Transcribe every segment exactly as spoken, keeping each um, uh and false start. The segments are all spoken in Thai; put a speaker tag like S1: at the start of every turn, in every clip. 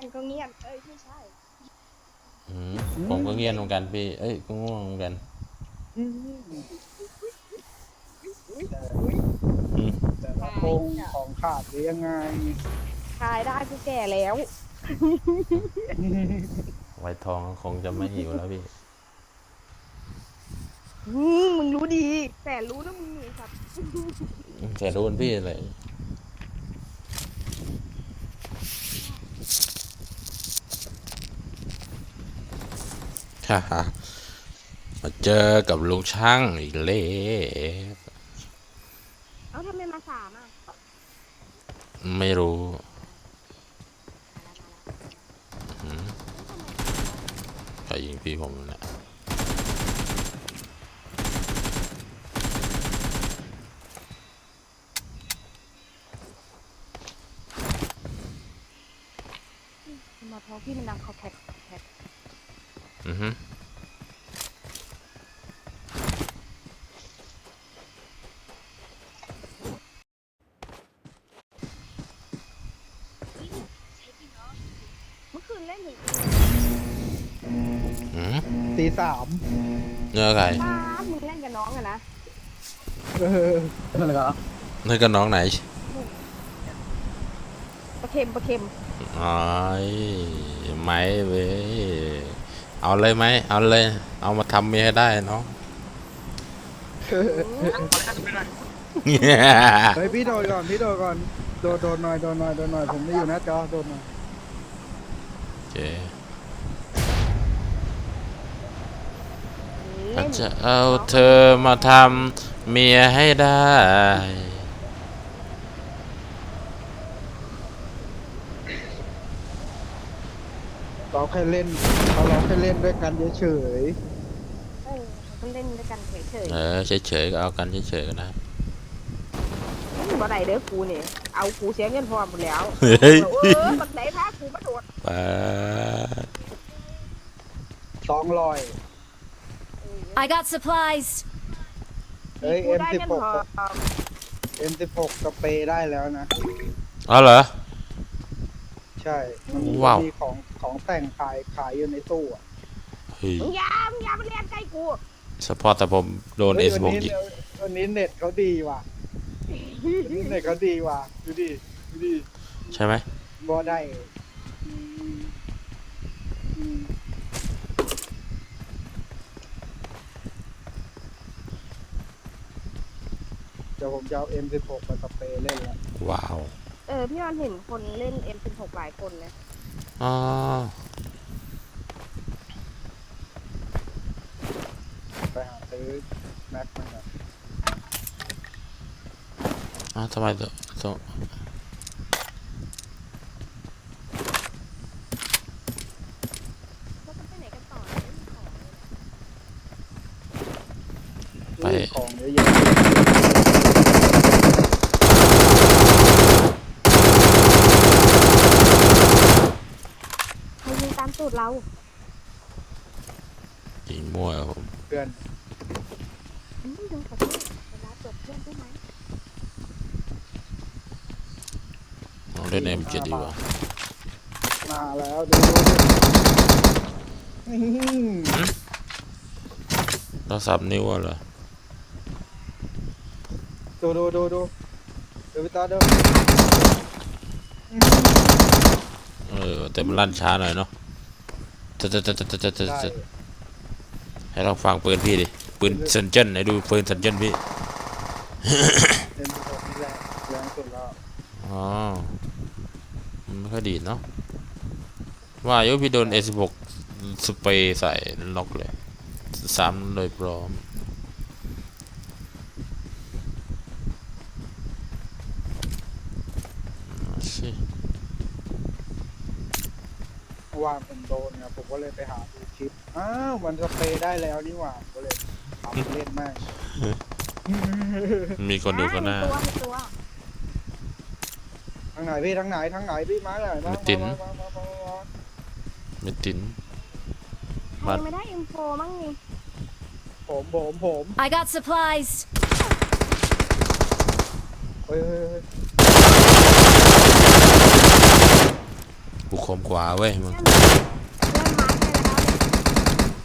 S1: ก็เงียบเอ้ยไม่ใช่
S2: อืมผมก็เงียบเหมือนกันพี่เอ้ยก็ง่วงเหมือนกัน
S3: อืมแต่
S2: อืม
S3: แต่ละพ
S1: ทาย
S3: งของขาดหรือยังไง
S1: ทายได้กูแก่แล้ว
S2: ไวทองคงจะไม่หิวแล้วพี่
S1: อืมมึงรู้ดีแต่รู้นะมึงนี่ครับ
S2: แต่โดนพี่เลยฮ่าฮ่ามาเจอกับลุงช่างอีกแล้ว
S1: เอ้าทำไมมาสามอ่ะ
S2: ไม่รู้
S1: มาแล้วมาแล้ว
S2: อืม
S1: เอ้ยทำไมสามวะ
S2: ใครยิงพี่ผมเนี่ย
S1: มาท้องพี่มันดังคอแคกคอแคก
S2: อือฮึ
S1: เมื่อคืนเล่นถึง
S2: อืม
S3: ตีสาม
S2: เนื้อไก่
S1: ป้าดมึงเล่นกับน้องอะนะ
S3: เออนั่นแหละครับ
S2: เนื้อกับน้องไหน
S1: ปลาเค็มปลาเค็ม
S2: อ๋อไม่เว้ยเอาเลยไหมเอาเลยเอามาทำเมียให้ได้น้อง
S1: อืม
S3: เฮ้ยพี่โดนก่อนพี่โดนก่อนโดนโดนหน่อยโดนหน่อยโดนหน่อยผมไม่อยู่หน้าจอโดนหน่อย
S2: โอเค
S1: เล่น
S2: จะเอาเธอมาทำเมียให้ได้
S3: เราแค่เล่นเขาเราแค่เล่นด้วยกันเฉย
S1: เออเขาก็เล่นด้วยกันเฉย
S2: เออเฉยๆก็เอากันเฉยๆก็ได้
S1: ๆไม่บ่ได้เด้อกูเนี่ยเอากูเสียเงินพร้อมหมดแล้ว
S2: เฮ้ย
S1: เออบักไหนพากูมาโดด
S2: ปาด
S3: ๆสองรอย
S4: I got supplies.
S3: เฮ้ย
S1: กู
S3: เอ็ม
S1: ได้
S3: สิบ
S1: เงิน
S3: หก
S1: พร้อม
S3: เอ็มสิบหกสเปรย์ได้แล้วนะ
S2: อ๋อเหรอ
S3: ใช่มัน
S2: ว้าว
S3: มีของของแต่งขายขายอยู่ในตู้อะ
S2: เฮ้ย
S1: มึงอยามึงอยามาเรียนใกล้กู
S2: เฉพาะแต่ผมโดนเอ
S3: เฮ้ย
S2: สบ
S3: วันนี้
S2: กยิง
S3: วันนี้เน็ตเขาดีว่ะวันนี้เน็ตเขาดีว่ะดูดิดูดิ
S2: ใช่ไหม
S3: บ่ได้เดี๋ยวผมจะเอา เอ็ม สิบหก มาสเปรย์เล่นละ
S2: ว้าว
S1: เออพี่วันเห็นคนเล่น เอ็ม สิบหก หลายคนนะ
S2: อ๋อ
S3: ไปหาซื้อแม็กมันอะ
S2: อ๋อทำไมตัวตัว
S1: แล้วก็ไปไหนกันต่อเนี่ยไม่มีของเลยนะ
S2: ไป
S3: ซื้อของเยอะแยะ
S1: ใครยิงตามตูดเรา
S2: ยิงมั่วครับผม
S3: เพื่อน
S1: อืมดูขอโทษเวลาจบเพื่อนได้ไหม
S2: ลองเล่นเอ็มเจ็ดดีกว่า
S3: มาแล้วดูดูอื้อหือ
S2: เราสับนิ้วเหรอ
S3: ดูดูดูดูดูพี่ตาดู
S2: เออแต่มันลั่นช้าหน่อยเนาะจะจะจะจะจะจะ
S3: ได้
S2: จะให้เราฟังปืนพี่ดิปืนเซนเจนไหนดูปืนเซนเจนพี่
S3: เอ็มสิบหกนี่แหละแรงสุดแล้ว
S2: อ๋อมันไม่ค่อยดีเนาะว่าโยพี่โดนเอสิบหกสเปรย์ใส่ล็อกเลยสามโดยพร้อมสิ
S3: เมื่อวานผมโดนเนี่ยผมก็เลยไปหาดูคลิปอ้าวมันสเปรย์ได้แล้วนี่หว่าก็เลยทำเล่นมาก
S2: มีคนดูก็หน้า
S1: ตัวมีตัว
S3: ทางไหนพี่ทางไหนทางไหนพี่มาไหนมา
S2: ไม่ติด
S3: มามามามามา
S2: ไม่ติน
S1: ใครยังไม่ได้ เอ็ม โฟร์ มั่งนี่
S3: ผมผมผม
S4: I got supplies.
S3: เฮ้ยเฮ้ยเฮ้ย
S2: กูคมกว่าเว้ยมึง
S1: เล่นไม้ไปแล้ว
S2: เอ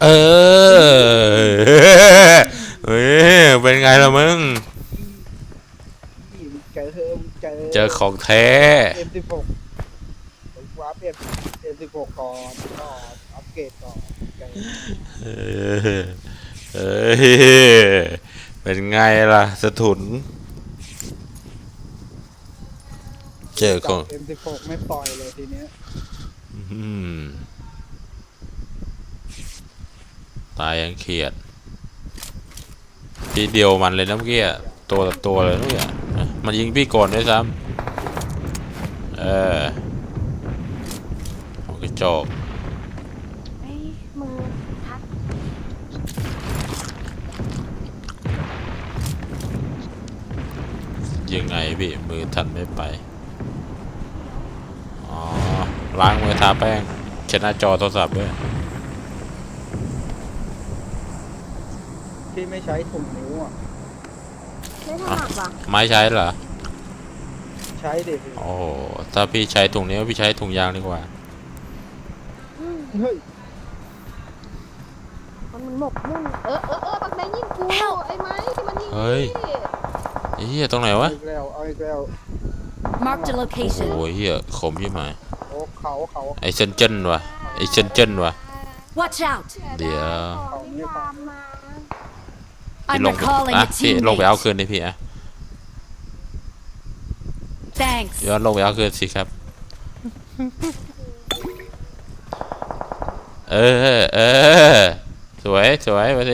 S2: อเฮ้ยเป็นไงล่ะมึง
S3: นี่มึงเจอเธอมึงเจอ
S2: เจอของแท้
S3: เอ็มสิบหกผมอัพเอ็มเอ็มสิบหกก่อนก็อัปเกรดก่อนเจอ
S2: เออเอ้ยเป็นไงล่ะสะทุนเจอของ
S3: เอ็มสิบหกไม่ปล่อยเลยทีเนี้ย
S2: อืมตายยังเครียดพี่เดียวมันเลยนะเมื่อกี้อะตัวต่อตัวเลยเมื่อกี้อะมันยิงพี่ก่อนด้วยซ้ำเออหัวกระจอก
S1: ไอ้มือทัก
S2: ยังไงพี่มือทันไม่ไปอ๋อล้างมือทาแป้งเช็ดหน้าจอโทรศัพท์ด้วย
S3: ที่ไม่ใช้ถุงนิ้วอ่ะ
S1: ไม่ถนัดว่ะ
S2: ไม้ใช้เหรอ
S3: ใช้เด็ก
S2: โอ้โหถ้าพี่ใช้ถุงนี้วพี่ใช้ถุงยางดีกว่า
S1: อืม
S3: เฮ้ย
S1: มันมันหมกมุ่นเออเออเออปักแดงยิงกูไอ้ไม้ที่มันยิง
S2: เฮ้ย ไอ้เหี้ยตรงไหน
S3: เอา
S2: วะ
S3: อีกแล้วเอาอีกแล้ว
S4: Marked a
S2: โอ้
S4: location.
S2: โหเหี้ยขมยี่หมาย
S3: โอ้เขาเขา
S2: ไอเซนเจิ้นวะไอเซนเจิ้นวะ
S4: Watch out.
S2: เดี๋ยว
S1: ของที่ตามมา
S2: พี่
S4: I'm
S2: ลงไป
S4: recalling
S2: อ่ะ
S4: a
S2: พี่ลงไปเอา
S4: teammate.
S2: คืนดิพี่อ่ะ
S4: Thanks.
S2: ย้อนลงไปเอาคืนสิครับ เออเออสวยสวยมาสิ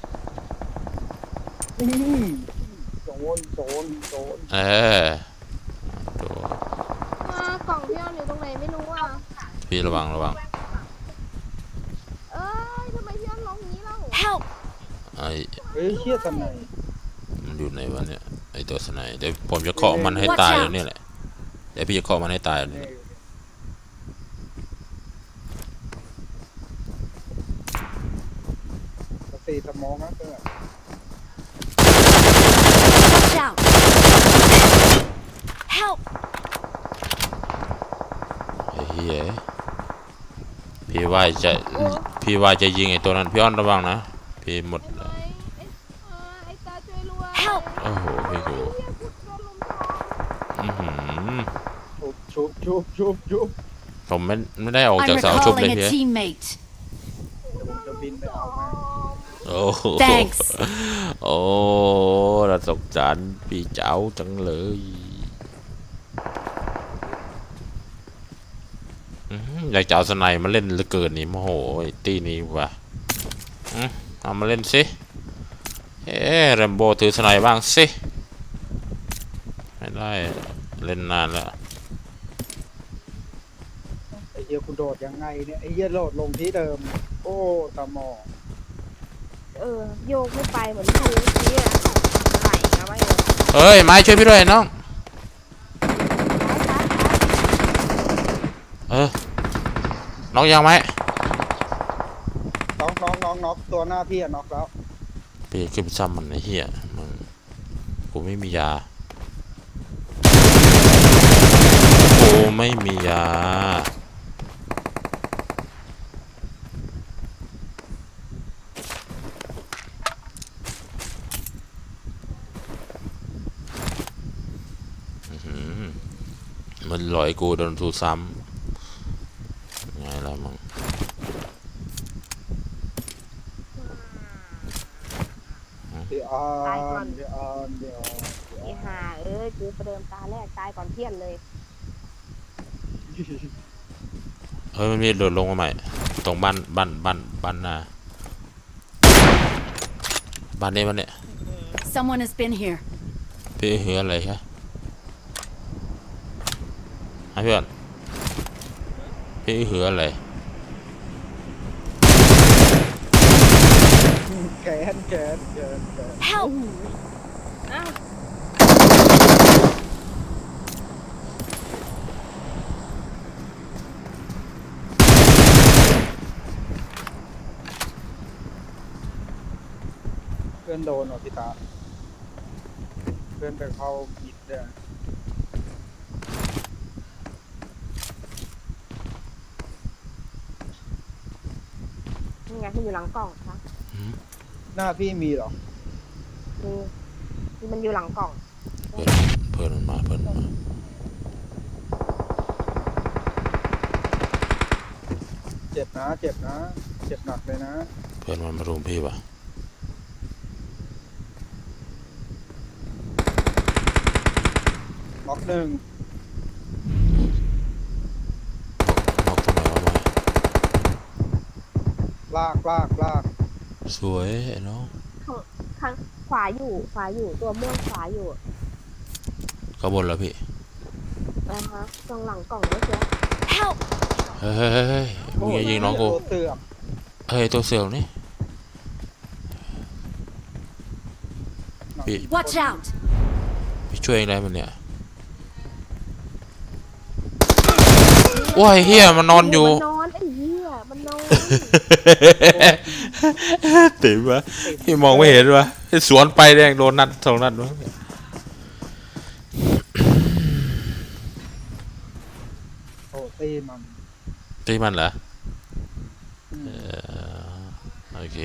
S3: อืมโดนโดนโดน
S2: เออดู
S1: อ่ากล่องพี่ออนอยู่ตรงไหนไม่รู้อ่ะ
S2: พี่ระวังระวัง
S1: เอ้ยทำไมพี่ออนลงอย่างนี้เล่า
S4: Help.
S2: ไอ
S3: เฮ้ยเชี่ยทำไม
S2: มันอยู่ไหนวะเนี่ยไอตัวสไนเดี๋ยวผมจะเคาะมันให้ตายอยู่นี่แหละเดี๋ยวพี่จะเคาะมันให้ตายอยู่นี่
S3: สติสมองนะเพื่อน
S4: Watch out. Help.
S2: ไอ้เหี้ยพี่ว่าจะพี่ว่าจะยิงไอตัวนั้นพี่อ้อนระวังนะพี่หมด
S1: ไอ้ไม้ไอ้เออไอ้ตาช่วยรวย
S4: Help
S2: โอ้โหพี่กู
S1: เฮียกูโดนลุมทอง
S2: อื้อหือ
S3: ชุบชุบชุบชุบ
S2: ผมไม่ไม่ได้ออก
S4: I'm
S2: จากเสาชุบเลย
S4: recalling
S2: เฮี
S4: a
S2: ย
S4: teammate.
S3: เดี๋ยวผมจะบินไปเอามา
S2: โอ้โห
S4: Thanks.
S2: โอ้เราสงสารพี่เจ้าจังเลยอื้อหืออยากจะเอาสไนมาเล่นเหลือเกินนี่โมโหไอ้ตีนี้ว่ะอื้อเอามาเล่นสิเอ๊ะแรมโบ้ถือสไนบ้างสิไม่ได้เล่นนานแล้ว
S3: ไอ้เหี้ยกูโดดยังไงเนี่ยไอ้เหี้ยโดดลงที่เดิม โอ้ตาหมอ
S1: เออโยกไม่ไปเหมือนกูเมื่อกี้อะไหลนะไม่เลย
S2: เอ้ยไม้ช่วยพี่ด้วยน้องเออน้องยังไหม
S3: น้องน้องน้องน็อกตัวหน้าพี่อะน็อกแล้ว
S2: พี่ขึ้นไปซ้ำมันไอ้เหี้ยมึงกูไม่มียากูไม่มียาอื้อหือมันลอยกูโดนทูซ้ำไงล่ะมึง
S3: เดี๋ยวอ่อนเดี๋ยวอ่อนเดี๋ยว
S1: ไอ้ห่าเอ้ยกูประเดิมตาแรกตายก่อนเพี้ยนเลย
S2: เฮ้ยมันมีโดดลงมาใหม่ตรงบ้านบ้านบ้านบ้านนาบ้านนี้บ้านเนี้ย
S4: Someone has been here.
S2: พี่เหืออะไรครับฮะเพื่อนพี่เหืออะไร
S3: แขนแขนแขนแขน
S4: Help.
S1: อ้าว
S3: เพื่อนโดนเหรอพี่ตาเพื่อนไปเข้ามิดเนี่ย
S1: นี่ไงมันอยู่หลังกล่องคะ
S3: หน้าพี่มีเหรอ
S1: นี่นี่มันอยู่หลังกล่อง
S2: เพื่อนเพื่อนมันมาเพื่อนมันมา
S3: เจ็บนะเจ็บนะเจ็บหนักเลยนะ
S2: เพื่อนมันมารุมพี่ปะ
S3: ล็อกหนึ่ง
S2: นอกทำไมวะมา
S3: ลากลากลาก
S2: สวยไอ้น้อง
S1: ข้างข้างขวาอยู่ขวาอยู่ตัวม่วงขวาอยู่
S2: ก็บนแล้วพี่
S1: นะคะตรงหลังกล่องเมื่อกี้
S4: Help!
S2: เฮ้ยเฮ้ยเฮ้ยเฮ้ยมึงอย่ายิงน้องกู
S3: ตัวเสือก
S2: เฮ้ยตัวเสือกนี่ พี่
S4: Watch out!
S2: พี่ช่วยเองได้มันเนี่ยว้ายเฮียมันนอนอยู่
S1: มันนอนไอ้เหี้ยมันนอน
S2: ติ๋มวะพี่มองไม่เห็นวะสวนไปแดงโดนนัดสองนัดวะ
S3: โอ้ตีมัน
S2: ตีมันเหรอ
S3: อืม
S2: เออโอเค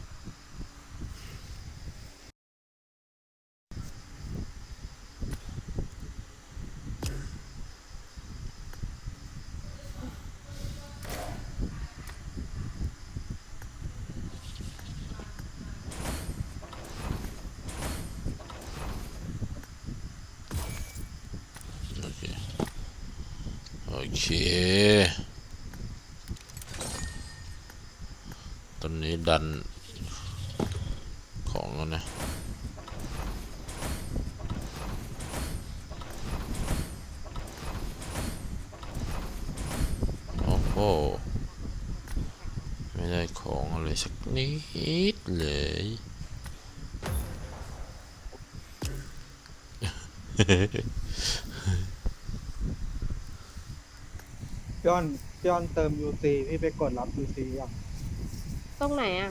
S2: โอเคโอเคตอนนี้ดันของแล้วนะโอ้โหไม่ได้ของอะไรสักนิดเลย
S3: พี่อ้อนพี่อ้อนเติม ยู ซี พี่ไปกดรับ ยู ซี ยัง
S1: ตรงไหนอ่ะ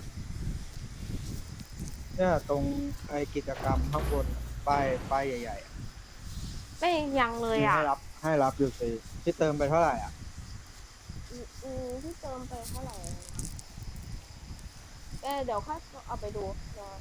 S3: เนี่ยตรงไอกิจกรรมข้างบนป้ายป้ายใหญ่ๆอะ
S1: ไม่ยังเลย
S3: มี
S1: อ่ะ
S3: ให้รับให้รับ ยู ซี พี่เติมไปเท่าไหร่อ่ะ
S1: อืมอืมที่เติมไปเท่าไหร่นะเออเดี๋ยวค่อยเอาไปดูเดี๋ยว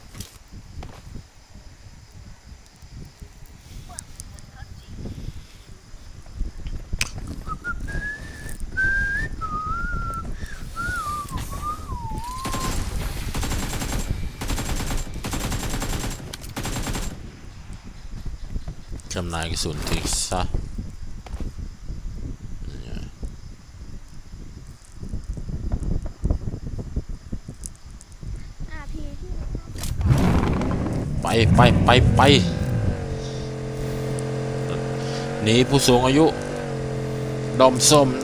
S2: จำหน่ายกระสุนทิ้งซะเนี่ย
S1: อ่ะพี่ที่
S2: ไปไปไปไปหนีผู้สูงอายุ ดอมส้ม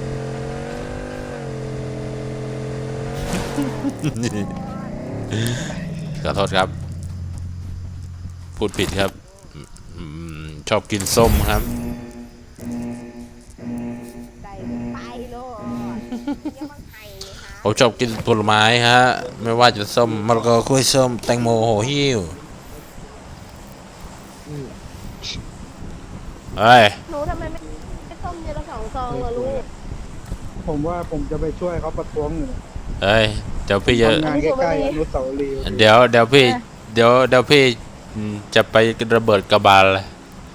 S2: ขอโทษครับ พูดผิดครับอืมชอบกินส้มครับ
S1: ใจไปโลดยังบังไห้เลยฮะ
S2: ผมชอบกินผลไม้ฮะ ไม่ว่าจะส้มมะละกอกล้วยส้ม แตงโมโหหิ้วเฮ้ย
S1: หนูทำไมไม่ไม่ต้มเยอะละสองซองอะลูก
S3: ผมว่าผมจะไปช่วยเขาประท้วงอยู่นะ
S2: เฮ้ย เดี๋ยวพี่จะ
S3: ทำงานใกล้ๆอนุสาวรีย์
S2: เดี๋ยวเดี๋ยวพี่ เดี๋ยวเดี๋ยวพี่อืมจะไประเบิดกระบาลเลย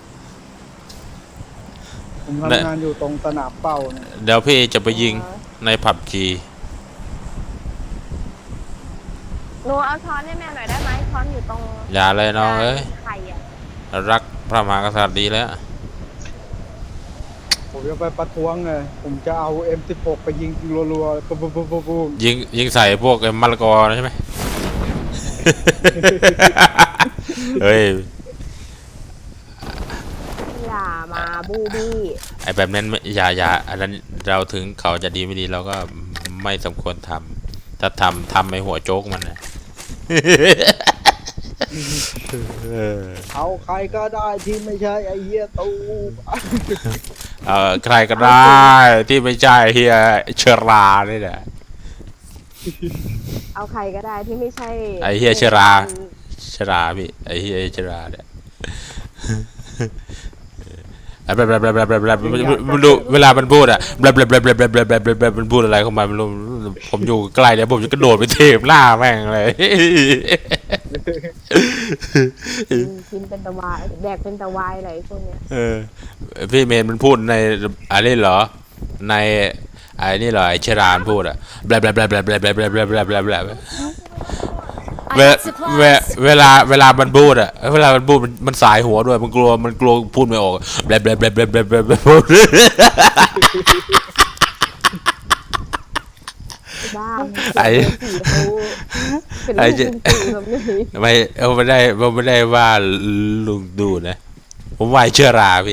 S3: ผมทำงานอยู่ตรงสนามเป้าเนี่ย
S2: เดี๋ยวพี่จะไปยิงในผับจี
S1: หนูเอาช้อนให้แม่หน่อยได้ไหมช้อนอยู่ตรง
S2: อย่าเลยน้องเอ้ย
S1: ไข่อะ
S2: รักพระมหากษัตริย์ดีแล้ว
S3: ผมจะไปประท้วงไงผมจะเอา เอ็ม สิบหก ไปยิงรัวๆปุ๊บปุ๊บปุ๊บปุ๊บปุ๊บ
S2: ยิงยิงใส่พวกไอ้มะละกอใช่ไหม เฮ้ย
S1: อย่ามาบูบี้
S2: ไอ้แบบนั้นไม่อย่าอย่าอันนั้นเราถึงเขาจะดีไม่ดีเราก็ไม่สมควรทำถ้าทำทำไอ้หัวโจ๊กมันนะ เออ
S3: เอาใครก็ได้ที่ไม่ใช่ไอ้เหี้ยตู
S2: เออใครก็ได้ที่ไม่ใช่เฮียเชอรานี่แหละ
S1: เอาใครก็ได้ที่ไม่ใช่
S2: ไอ้เหี้ยเชรา ชราพี่ไอ้เฮียเชราเนี่ย ผแบบแบบแบบแบบแบบแบบมันดูเวลามันพูดอะแบบแบบแบบแบบแบบแบบแบบแบบมันพูดอะไรเข้ามาไม่รู้ผมอยู่ใกล้เนี่ยผมจะกระโดดไปเทปหน้าแม่งเลย
S1: กินเป็นตะวายแดกเป็นตะวายอะไรพวกเนี้ย
S2: เออพี่เมนมันพูดในอะไรเหรอในไอ้นี่เหรอไอ้เชรานพูดอะแบบแบบแบบแบบแบบแบบแบบแบบแบบแบบ
S4: I
S2: เว
S4: got
S2: เว
S4: supplies.
S2: เวลาเวลามันพูดอะเวลามันพูดมันมันสายหัวด้วยมันกลัวมันกลัวพูดไม่ออกแบบแบบแบบแบบแบบแบบ
S1: บ้า
S2: ไอ้
S1: เป็น
S2: ไอ้
S1: ลูก
S2: เจ๊
S1: ลุงตู่แบบนี้
S2: ไม่เอาไม่ได้เอาไม่ได้ว่าลุงดูนะ ผมว่าไอ้เชราพี่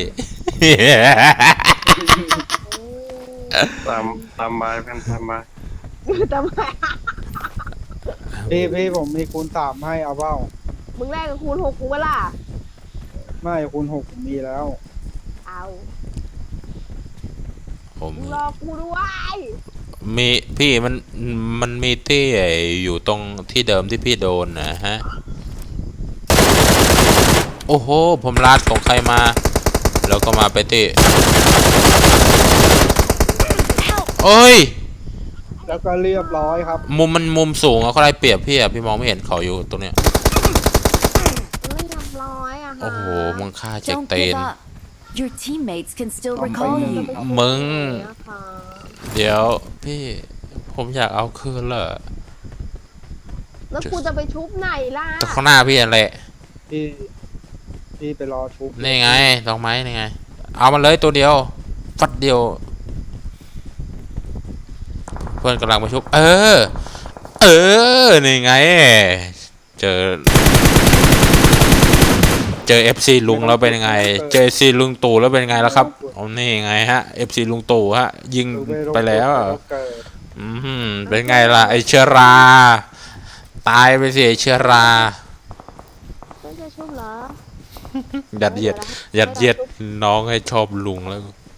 S5: ตามตามบายเพื่อนตามบาย
S1: ทำไม
S3: พี่พี่ผมมีคูณสามให้เอาเปล่า
S1: มึงแรกกับคูณหกกูเวล่ะ
S3: ไม่คูณหกผมมีแล้ว
S1: เอา
S2: ผม
S1: มึงรอกูด้วย
S2: มีพี่มันมันมีที่อยู่ตรงที่เดิมที่พี่โดนนะฮะ โอ้โห ผมลาดของใครมา แล้วก็มาไปที่โอ้ย
S3: แล้วก็เรียบร้อยครับ
S2: มุมมันมุมสูงอะเขาได้เปรียบพี่อะพี่มองไม่เห็นเขาอยู่ตรงเนี้ย
S1: ไม่ทำร้อยอะฮะ
S2: โอ้โห มึงฆ่าเจ็ก
S4: Don't
S2: เต
S4: give
S2: น
S4: up. Your teammates can still
S3: Không
S4: recall
S3: phải
S4: you.
S2: มึง
S1: นะคะ
S2: เดี๋ยวพี่ ผมอยากเอาคืนเลย
S1: แล้วกูจะไปชุบไหนล่ะ
S2: แต่ข้างหน้าพี่อะไร
S3: พี่พี่ไปรอชุบ
S2: นี่ไงดอกไม้นี่ไง เอามันเลยตัวเดียว ฟัดเดียว เพื่อนกำลังมาชุบ เออ เออ นี่ไง เจอ เจอ เอฟ ซี ลุงแล้วเป็นยังไง เจอ เอฟ ซี ลุงตู่แล้วเป็นยังไงแล้วครับเอานี่ไงฮะ เอฟ ซี ลุงตู่ฮะ ยิงไปแล้ว อืมเป็นไงล่ะ ไอเชอรา ตายไปสิไอเชอรา
S1: ไม่จะชุบเหรอ
S2: ยัดเยียด ยัดเยียดน้องให้ชอบลุงแล้ว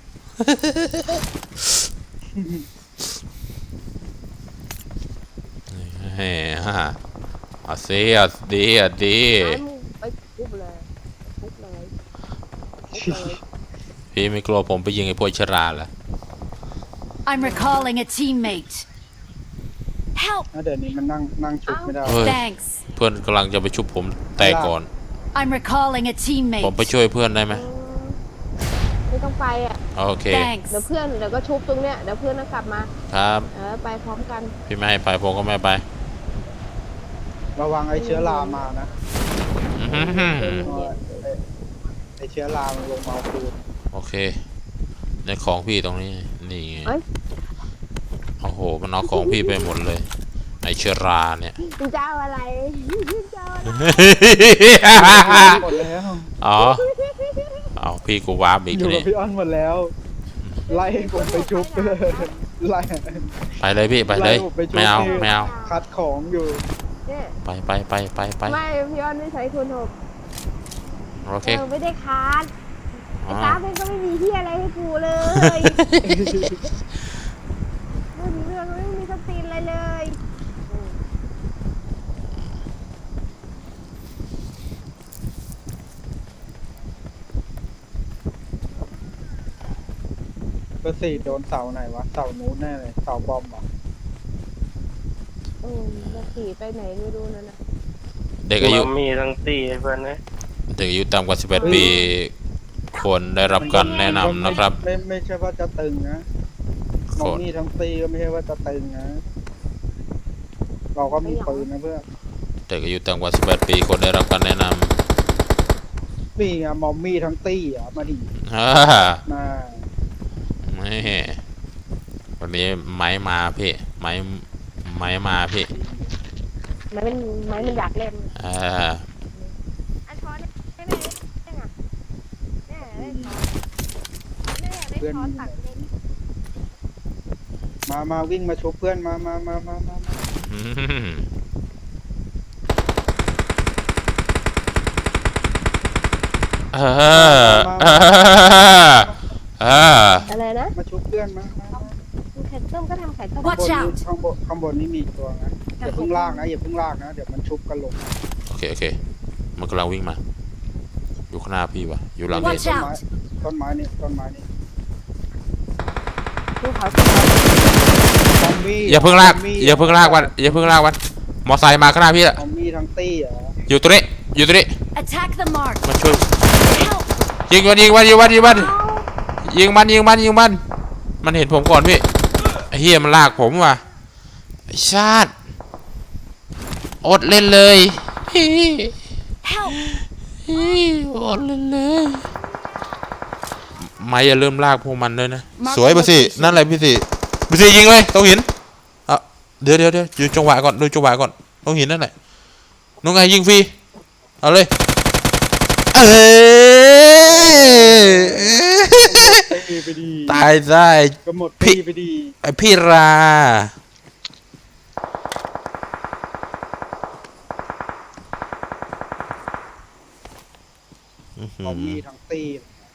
S2: เฮ้ฮะเอาสิเอาดีเอาดี
S1: ให้มึงไปชุบเลยชุบเลยชุบเลย
S2: พี่ไม่กลัวผมไปยิงไอ้พวกเชอราเหรอ
S4: I'm recalling a teammate. Help!
S3: แล้วเดี๋ยวนี้มันนั่งนั่งชุบไม่ได้
S2: เฮ้ย
S4: Thanks.
S2: เพื่อนกำลังจะไปชุบผมแต่ก่อน
S4: I'm recalling a
S2: ผมไป
S4: teammate.
S2: ช่วยเพื่อนได้ไหม
S1: ไม่ต้องไปอ่ะ
S2: โอเค
S4: Thanks.
S1: เดี๋ยวเพื่อนเดี๋ยวก็ชุบตรงเนี้ยเดี๋ยวเพื่อนก็กลับมา
S2: ครับ
S1: เออไปพร้อมกัน
S2: พี่ไม่ให้ไปผมก็ไม่ไป
S3: ระวังไอ้เชื้อรามานะ
S2: อื้อหือ
S1: เย็น
S3: เพราะว่าไอ้ไอ้เชื้อรามันลงมาเอาคืน
S2: โอเค ในของพี่ตรงนี้ นี่ไง
S1: เอ้ย
S2: โอ้โห มันเอาของพี่ไปหมดเลย ไอเชอราเนี่ย
S1: มึงจะเอาอะไรมึงจะเอาอะไร
S3: หมดแล้ว
S2: อ๋อ เอาพี่กูวาร์ปอีก
S3: อยู่
S2: ที
S3: กับพี่อ้อนหมดแล้ว ไล่ผมไปชุบเลยไล่
S2: ไปเลยพี่ไปเลย
S3: ไล่ผมไปชุบ
S2: ไม่เอา
S3: ที่
S2: ไม่เอา
S3: คัดของอยู่
S1: เนี่ย
S2: ไปไปไปไปไป
S1: ไม่พี่อ้อนไม่ใช้คูณหก
S2: โอเค
S1: เออไม่ได้คาร์ด
S2: อ๋
S1: ไอ้
S2: อ
S1: ตาเป็นก็ไม่มีที่อะไรให้กูเลยไม่มีเรื่องไม่มีสตินอะไรเลยอืม
S3: เบอร์สี่โดนเสาไหนวะ เสานู้นแน่เลย เสาบอมเหรอ
S1: เออมาขี่ไปไหนไม่รู้นั่นนะ
S2: เด็กอายุ
S5: เรามีทั้งตีเพื่อนนะ
S2: เด็กอายุต่ำกว่าสิบแปดปีควรได้รับการแนะนำนะครับ
S3: ไม่ไม่ไม่ใช่ว่าจะตึงนะมองนี่ทั้งตีก็ไม่ใช่ว่าจะตึงนะ เราก็มีปืนนะเพื่อน
S2: เด็กอายุต่ำกว่าสิบแปดปีควรได้รับการแนะน
S3: นี่ไงมอมมี่ทั้งตี้อ่ะมาดิ
S2: ำอ่า
S3: มา
S2: นี่วันนี้ไม้มาพี่ ไม้ไม้มาพี่
S1: ไม้มันไม้มันอยากเล่น
S2: อ่า
S1: อันช้อนได้ไหมได้ไงแน่ได้ช้อนแน่ได้ช้อนตักเล่น
S3: มามาวิ่งมาชุบเพื่อนมามามามามามา
S2: อืมเออเออเออ
S1: อะไรนะ
S3: มาชุบเพื่อนมามามา
S1: ไข่ต้มก็ทำไข่ต้ม
S4: Watch
S3: ข้างบน
S4: out
S3: นี้ข้างบนข้างบนนี้มีอีกตัวนะอย่าเพิ่งลากนะอย่าเพิ่งลากนะเดี๋ยวมันชุบกันลง
S2: โอเคโอเค มันกำลังวิ่งมา อยู่ข้างหน้าพี่วะอยู่หลัง
S3: ต้น
S2: เห็น
S4: Watch
S3: ไม้
S4: out
S3: ตต้นไม้นี่ต้นไม้นี่
S1: ภูเขาภูเขา
S3: ซอมบี้
S2: อย่าเพิ่งลาก
S3: ซมบี้
S2: อย่าเพิ่งลากวันอย่าเพิ่งลากวันมอไซค์มาข้างหน้าพี่อะ
S3: ซอมบี้ทั้งตี้เหรอ
S2: อยู่ตรงนี้อยู่ตรงนี้
S4: Attack the mark.
S2: มาช่วย
S4: Help!
S2: ยิงมันยิงมันยิงมันยิงมันยิงมันยิงมันยิงมันมันเห็นผมก่อนพี่ไอ้เฮียมันลากผมว่ะไอ้ชาติอดเล่นเลยฮิ
S4: Help!
S2: ฮิอดเล่นเลยไม่อย่าเริ่มลากพวกมันด้วยนะสวยไปสินั่นอะไรพี่สิพี่สิยิงเลยต้องหินอ่ะเดี๋ยวเดี๋ยวเดี๋ยวดูจังหวะก่อนดูจังหวะก่อนต้องหินนั่นแหละน้องไงยิงฟรีเอาเลยเอ้ย
S3: ตีไปดี
S2: ตายได้
S3: ก็หมดตีไปดี
S2: ไอพี่รา
S3: ซอมบี้ทั้งตี้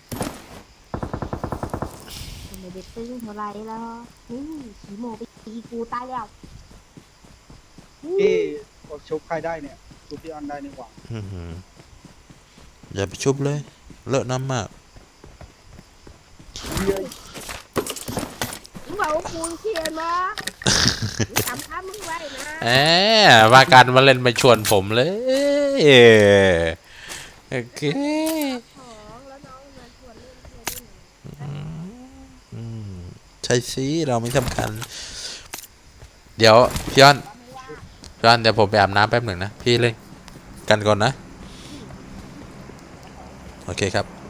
S1: ไม่ได้ตึงเท่าไรแล้วนี่ขี่โมไปตีกูตายแล้ว
S3: พี่กดชุบใครได้เนี่ยชุบพี่ออนได้นี่หว่า
S2: อื้อหืออย่าไปชุบเลยเลอะน้ำมาก
S3: เย้ย
S1: มึงบอกว่ากูเขียนมามึงจำคำมึงไว้นะ
S2: แหมว่าการมาเล่นมาชวนผมเลยโอเค
S1: ของแล้วน้องมาชวนเล่นเพื่อนนี่
S2: อืมใช่สิเราไม่สำคัญ เดี๋ยวพี่อ้อนพี่อ้อนเดี๋ยวผมไปอาบน้ำแป๊บหนึ่งนะ พี่เล่นกันก่อนนะ โอเคครับ